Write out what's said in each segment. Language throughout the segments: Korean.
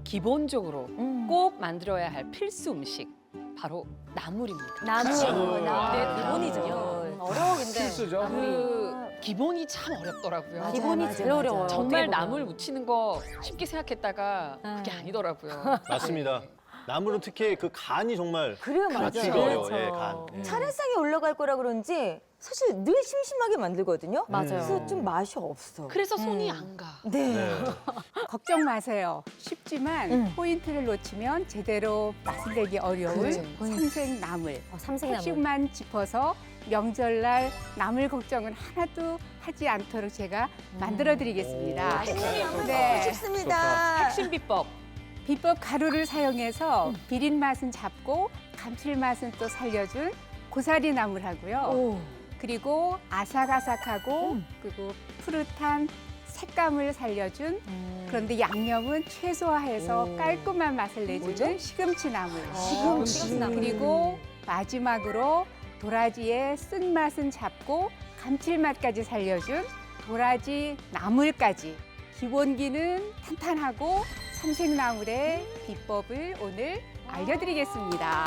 기본적으로 꼭 만들어야 할 필수 음식 바로 나물입니다. 나물. 네, 기본이죠. 어려운데. 필수죠. 그 기본이 참 어렵더라고요. 기본이 제일 어려워요. 정말 어떻게 보면. 나물 무치는 거 쉽게 생각했다가 그게 아니더라고요. 맞습니다. 나물은 특히 그 간이 정말 그래요, 맞아요. 맞추기가 어려워요. 그렇죠. 예, 간. 예. 차례상에 올라갈 거라 그런지 사실 늘 심심하게 만들거든요. 맞아요. 그래서 좀 맛이 없어. 그래서 손이 안 가. 네. 네. 걱정 마세요. 쉽지만 포인트를 놓치면 제대로 맛을 내기 어려운 그렇죠. 삼색나물. 삼색나물. 핵심만 짚어서 명절날 나물 걱정은 하나도 하지 않도록 제가 만들어드리겠습니다. 네. 쉽습니다. 핵심 비법. 비법 가루를 사용해서 비린 맛은 잡고 감칠맛은 또 살려준 고사리 나물하고요. 그리고 아삭아삭하고 그리고 푸릇한 색감을 살려준 그런데 양념은 최소화해서 깔끔한 맛을 내주는 시금치 나물. 시금치. 그리고 마지막으로 도라지의 쓴맛은 잡고 감칠맛까지 살려준 도라지 나물까지. 기본기는 탄탄하고 삼색나물의 비법을 오늘 알려드리겠습니다.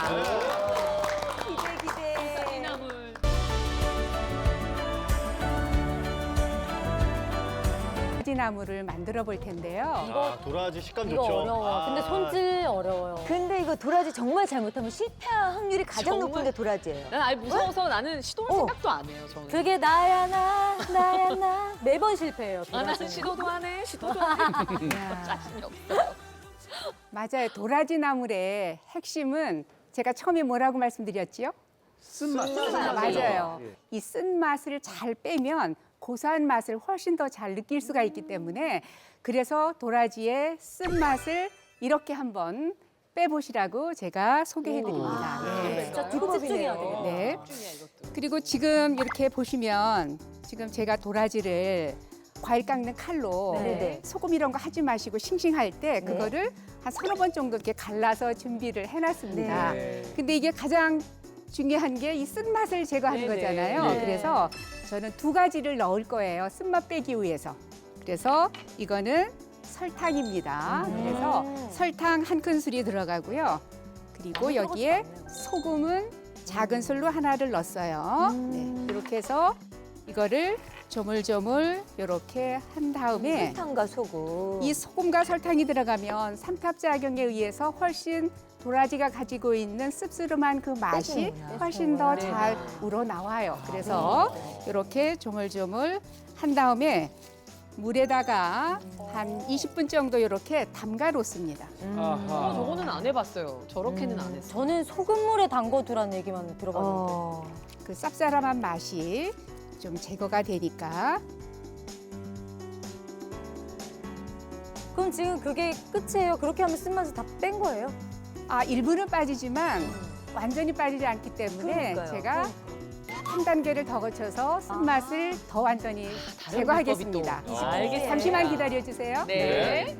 기대. 나물. 도라지나물을 만들어 볼 텐데요. 아, 도라지 식감 이거 좋죠. 어려워요. 근데 손질 어려워요. 근데 이거 도라지 정말 잘못하면 실패할 확률이 가장 정말? 높은 게 도라지예요. 난 아예 무서워서 나는 시도할 생각도 안 해요, 저는. 그게 나야 나 매번 실패해요. 아, 나는 도라지는. 시도도 안 해, 시도도 안 해. 자신이 없어요. 맞아요. 도라지나물의 핵심은 제가 처음에 뭐라고 말씀드렸지요? 쓴맛. 맞아요. 이 쓴맛을 잘 빼면 고소한 맛을 훨씬 더 잘 느낄 수가 있기 때문에 그래서 도라지의 쓴맛을 이렇게 한번 빼보시라고 제가 소개해드립니다. 네. 진짜 두고 집중해야 되겠네. 네. 중이야, 이것도. 그리고 지금 이렇게 보시면 지금 제가 도라지를 과일 깎는 칼로 네네. 소금 이런 거 하지 마시고 싱싱할 때 그거를 한 서너 번 정도 이렇게 갈라서 준비를 해놨습니다. 네. 근데 이게 가장 중요한 게 이 쓴맛을 제거하는 네네. 거잖아요. 네. 그래서 저는 두 가지를 넣을 거예요. 쓴맛 빼기 위해서. 그래서 이거는 설탕입니다. 그래서 설탕 한 큰술이 들어가고요. 그리고 여기에 소금은 작은 술로 하나를 넣었어요. 네, 이렇게 해서 이거를 조물조물 이렇게 한 다음에 설탕과 소금. 이 소금과 설탕이 들어가면 삼탑작용에 의해서 훨씬 도라지가 가지고 있는 씁쓸한 그 맛이 빼주는구나. 훨씬 더 네. 잘 우러나와요. 그래서 이렇게 조물조물 한 다음에 물에다가 한 20분 정도 이렇게 담가 놓습니다. 아하. 저거는 안 해봤어요. 저렇게는 안 했어요. 저는 소금물에 담궈두라는 얘기만 들어봤는데. 그 쌉싸름한 맛이 좀 제거가 되니까 그럼 지금 그게 끝이에요? 그렇게 하면 쓴맛을 다 뺀 거예요? 일부는 빠지지만 완전히 빠지지 않기 때문에 그러니까요. 제가 한 단계를 더 거쳐서 쓴맛을 더 완전히 다른 제거하겠습니다. 비법이 또. 알겠습니다. 잠시만 기다려주세요. 네.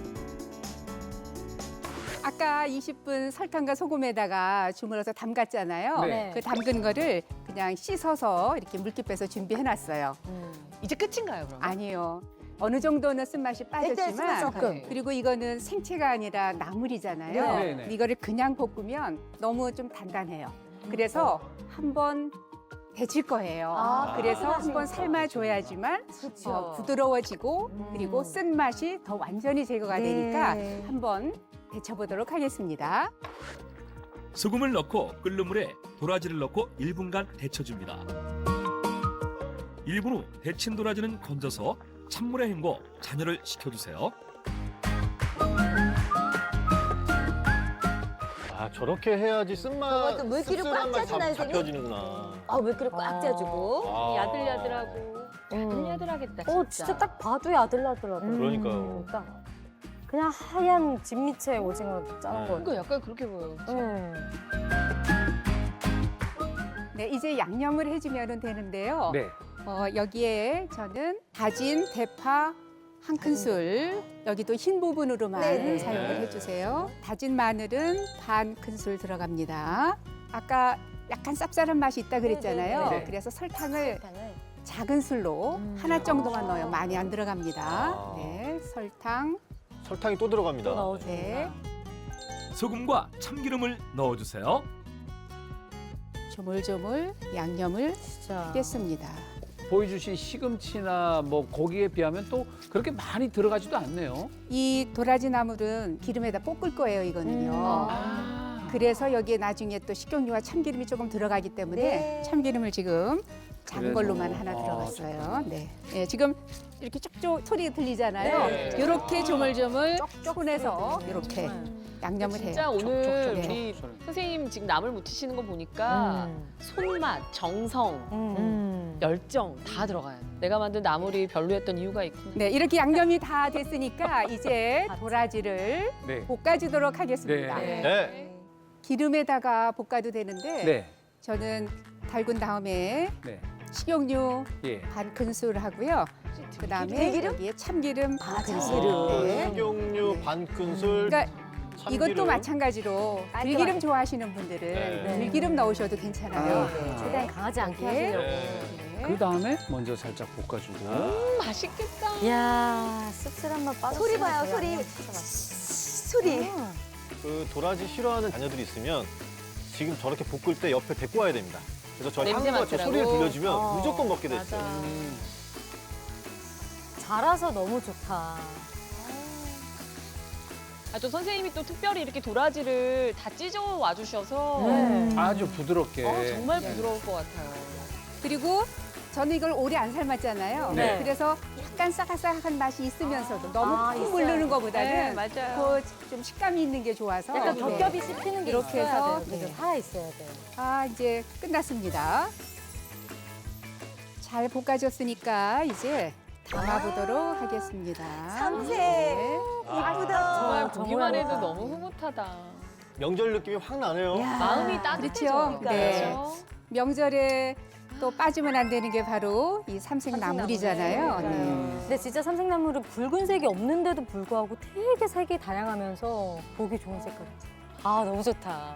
아까 20분 설탕과 소금에다가 주물러서 담갔잖아요. 네. 그 담근 거를 그냥 씻어서 이렇게 물기 빼서 준비해놨어요. 이제 끝인가요, 그럼? 아니요. 어느 정도는 쓴맛이 빠졌지만 조금. 그리고 이거는 생채가 아니라 나물이잖아요. 네, 네. 이거를 그냥 볶으면 너무 좀 단단해요. 그래서 한번 데칠 거예요. 그래서 한번 삶아줘야지만 부드러워지고 그리고 쓴맛이 더 완전히 제거가 되니까 네. 한번 데쳐보도록 하겠습니다. 소금을 넣고 끓는 물에 도라지를 넣고 1분간 데쳐줍니다. 1분 후 데친 도라지는 건져서 찬물에 헹궈 잔여를 식혀주세요. 아, 저렇게 해야지 쓴맛, 저것도 물기를 꽉 씁쓸한 맛이 짜주나요, 선생님? 잡혀지는구나. 물기를 꽉 짜주고. 아. 야들야들하고. 야들야들하겠다, 진짜. 진짜 딱 봐도 야들야들하더라고요. 그러니까요. 딱 그냥 하얀 진미채 오징어 짜는 네. 거. 그러니까 약간 그렇게 보여요. 네, 이제 양념을 해주면 되는데요. 네. 여기에 저는 다진 대파 한 큰술, 여기도 흰 부분으로만 네네. 사용을 해주세요. 다진 마늘은 반 큰술 들어갑니다. 아까 약간 쌉쌀한 맛이 있다 그랬잖아요. 네네. 그래서 설탕을 작은 술로 하나 정도만 넣어요. 많이 안 들어갑니다. 네, 설탕 설탕이 또 들어갑니다. 또 넣어주고. 네. 소금과 참기름을 넣어주세요. 조물조물 양념을 진짜. 하겠습니다. 보여주신 시금치나 뭐 고기에 비하면 또 그렇게 많이 들어가지도 않네요. 이 도라지 나물은 기름에다 볶을 거예요, 이거는요. 그래서 여기에 나중에 또 식용유와 참기름이 조금 들어가기 때문에 네. 참기름을 지금 작은 그래서, 걸로만 하나 들어갔어요. 네. 네, 지금 이렇게 쪽쪽 소리 들리잖아요. 네. 이렇게 조물조물 손에서 이렇게 양념을 해요. 진짜 오늘 촉촉. 우리 선생님 지금 나물 무치시는 거 보니까 손맛, 정성, 열정 다 들어가요. 내가 만든 나물이 별로였던 이유가 있구나. 네, 이렇게 양념이 다 됐으니까 이제 도라지를 네. 볶아주도록 하겠습니다. 네. 네. 기름에다가 볶아도 되는데 네. 저는 달군 다음에 네. 식용유 예. 반 큰술 하고요. 그다음에 들기름? 여기에 참기름 반 큰술. 아, 네. 식용유 반 큰술. 그러니까 참기름. 이것도 마찬가지로 들기름 좋아하시는 분들은 네. 들기름 넣으셔도 괜찮아요. 아. 네. 최대한 강하지 않게 하시려고. 네. 그 다음에 먼저 살짝 볶아주고. 맛있겠다. 이야, 씁쓸한 맛 빠졌어. 소리 봐요, 소리. 소리. 그 도라지 싫어하는 자녀들이 있으면 지금 저렇게 볶을 때 옆에 데리고 와야 됩니다. 그래서 저 냄새 향과 저 맡으라고? 소리를 들려주면 어, 무조건 먹게 됐어요. 맞아. 자라서 너무 좋다. 아, 또 선생님이 또 특별히 이렇게 도라지를 다 찢어 와주셔서 아주 부드럽게. 정말 부드러울 것 같아요. 그리고 저는 이걸 오래 안 삶았잖아요. 네. 그래서 약간 싸각싸각한 맛이 있으면서도 너무 푹 있어요. 물르는 네, 거보다는 맞아요. 좀 식감이 있는 게 좋아서 약간 네. 겹겹이 씹히는 게 이렇게 있어야 해서, 돼요. 네. 살아 있어야 돼요. 아, 이제 끝났습니다. 잘 볶아졌으니까 이제 담아보도록 하겠습니다. 삼색. 네. 이쁘다. 정말 저 보기만 모양이다. 해도 너무 흐뭇하다. 명절 느낌이 확 나네요. 마음이 따뜻해져. 그렇죠. 네. 그렇죠? 명절에 또 빠지면 안 되는 게 바로 이 삼색나물이잖아요. 네. 근데 진짜 삼색나물은 붉은색이 없는데도 불구하고 되게 색이 다양하면서 보기 좋은 색깔이죠. 아, 너무 좋다.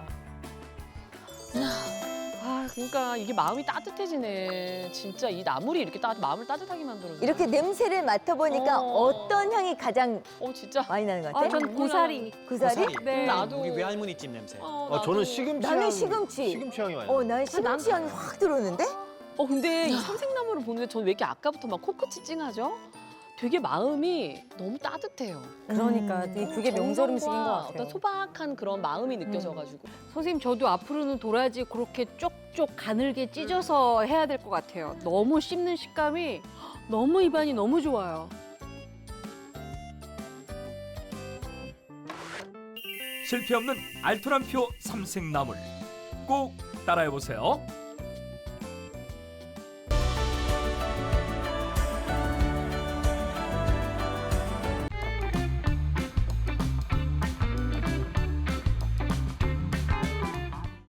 아, 그러니까 이게 마음이 따뜻해지네. 진짜 이 나물이 이렇게 마음을 따뜻하게 만들어줘. 이렇게 냄새를 맡아보니까 어떤 향이 가장 진짜. 많이 나는 것 같아? 전 고사리. 고사리? 네. 나도. 우리 외할머니집 냄새. 저는 시금치 나는 향, 시금치. 시금치 향이 많이 나요. 난 시금치 향이 확 들어오는데? 근데 이 삼색나물을 보는데 저는 왜 이렇게 아까부터 막 코끝이 찡하죠? 되게 마음이 너무 따뜻해요. 그러니까 되게 그게 명절 음식인 것 정성과 같아요. 어떤 소박한 그런 마음이 느껴져가지고. 선생님 저도 앞으로는 도라지 그렇게 쪽쪽 가늘게 찢어서 해야 될 것 같아요. 너무 씹는 식감이 너무 입안이 너무 좋아요. 실패 없는 알토란표 삼색나물 꼭 따라해보세요.